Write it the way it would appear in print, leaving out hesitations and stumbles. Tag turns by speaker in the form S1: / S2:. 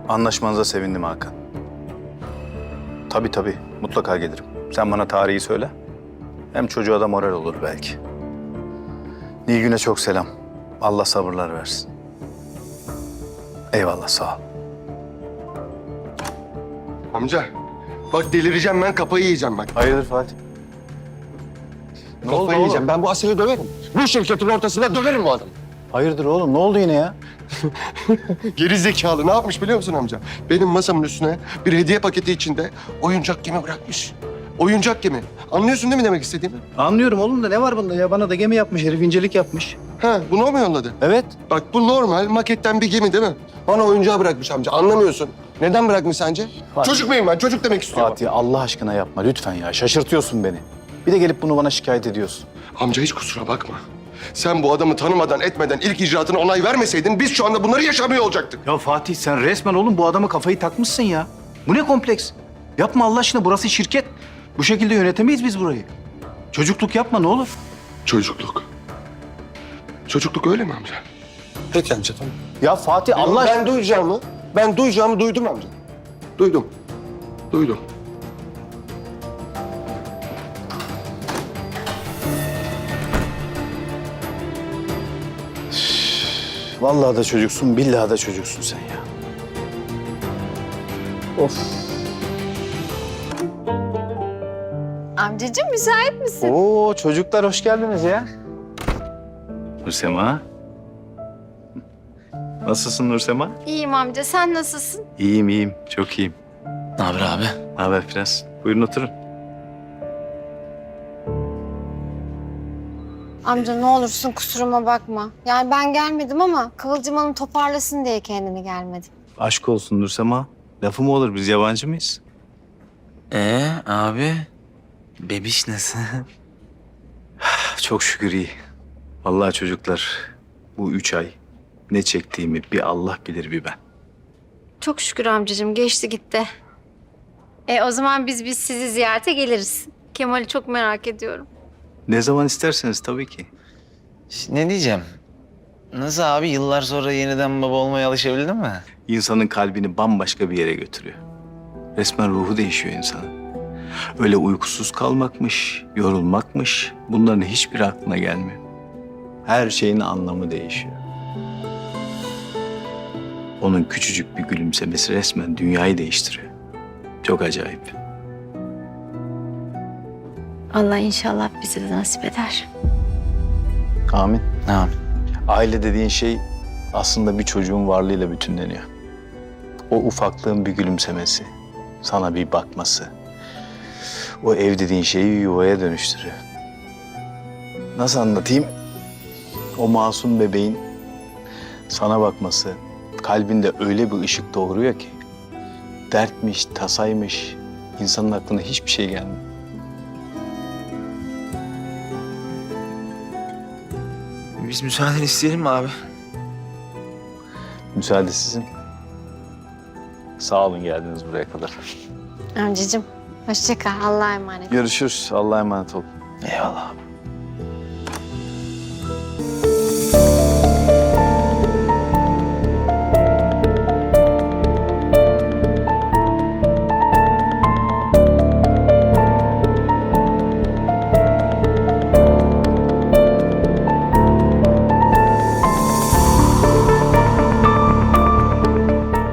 S1: Anlaşmanıza sevindim Hakan. Tabii mutlaka gelirim. Sen bana tarihi söyle. Hem çocuğa da moral olur belki. Nilgün'e çok selam. Allah sabırlar versin. Eyvallah, sağ ol.
S2: Amca, bak delireceğim ben, kafayı yiyeceğim bak.
S1: Hayırdır Fatih? Ne oldu
S2: Kafayı yiyeceğim.
S1: oğlum?
S2: Ben bu Asel'i döverim. Bu şirketin ortasında döverim bu adamı.
S1: Hayırdır oğlum? Ne oldu yine ya?
S2: Geri zekalı ne yapmış biliyor musun amca? Benim masamın üstüne bir hediye paketi içinde oyuncak gemi bırakmış. Oyuncak gemi. Anlıyorsun değil mi demek istediğimi?
S1: Anlıyorum oğlum da ne var bunda ya? Bana da gemi yapmış herif, incelik yapmış.
S2: Ha, bunu o mu yolladı?
S1: Evet.
S2: Bak bu normal maketten bir gemi değil mi? Bana oyuncağı bırakmış amca. Anlamıyorsun. Neden bırakmış sence?
S1: Fatih.
S2: Çocuk muyum ben? Çocuk demek istiyorum.
S1: Fatih Allah aşkına yapma lütfen ya. Şaşırtıyorsun beni. Bir de gelip bunu bana şikayet ediyorsun.
S2: Amca hiç kusura bakma. Sen bu adamı tanımadan etmeden ilk icraatına onay vermeseydin biz şu anda bunları yaşamıyor olacaktık.
S1: Ya Fatih sen resmen oğlum bu adama kafayı takmışsın ya. Bu ne kompleks? Yapma Allah aşkına, burası şirket. Bu şekilde yönetemeyiz biz burayı. Çocukluk yapma ne olur.
S2: Çocukluk. Çocukluk öyle mi amca? Peki amca tamam.
S1: Ya Fatih Allah aşkına.
S2: Ben duyacağımı duydum amca. Duydum.
S1: Vallahi da çocuksun, billahi da çocuksun sen ya. Of.
S3: Amcacığım müsait misin?
S1: Oo çocuklar hoş geldiniz ya. Nursema. Nasılsın Nursema?
S3: İyiyim amca, sen nasılsın?
S1: İyiyim, çok iyiyim.
S4: Ne haber abi?
S1: Ne haber Prens? Buyurun oturun.
S3: Amca ne olursun kusuruma bakma. Yani ben gelmedim ama Kıvılcım Hanım toparlasın diye kendini gelmedim.
S1: Aşk olsun Nursema. Lafı mı olur, biz yabancı mıyız?
S4: Abi? Bebiş nasıl?
S1: Çok şükür iyi. Vallahi çocuklar bu 3 ay ne çektiğimi bir Allah bilir bir ben.
S3: Çok şükür amcacığım, geçti gitti. O zaman biz sizi ziyarete geliriz. Kemal'i çok merak ediyorum.
S1: Ne zaman isterseniz tabii ki.
S4: Ne diyeceğim? Nasıl abi, yıllar sonra yeniden baba olmaya alışabildin mi?
S1: İnsanın kalbini bambaşka bir yere götürüyor. Resmen ruhu değişiyor insanın. Öyle uykusuz kalmakmış, yorulmakmış, bunların hiçbiri aklına gelmiyor. Her şeyin anlamı değişiyor. Onun küçücük bir gülümsemesi resmen dünyayı değiştiriyor. Çok acayip.
S3: Allah inşallah bize de nasip eder.
S1: Amin.
S4: Ne abi?
S1: Aile dediğin şey aslında bir çocuğun varlığıyla bütünleniyor. O ufaklığın bir gülümsemesi, sana bir bakması. O ev dediğin şeyi yuvaya dönüştürüyor. Nasıl anlatayım? O masum bebeğin sana bakması kalbinde öyle bir ışık doğuruyor ki dertmiş, tasaymış, insanın aklına hiçbir şey gelmiyor.
S4: Biz müsaade isteyelim mi abi?
S1: Müsaade sizin. Sağ olun geldiniz buraya kadar.
S3: Amcacığım hoşça kal, Allah'a emanet.
S1: Görüşürüz. Allah'a emanet olun.
S4: Eyvallah abi.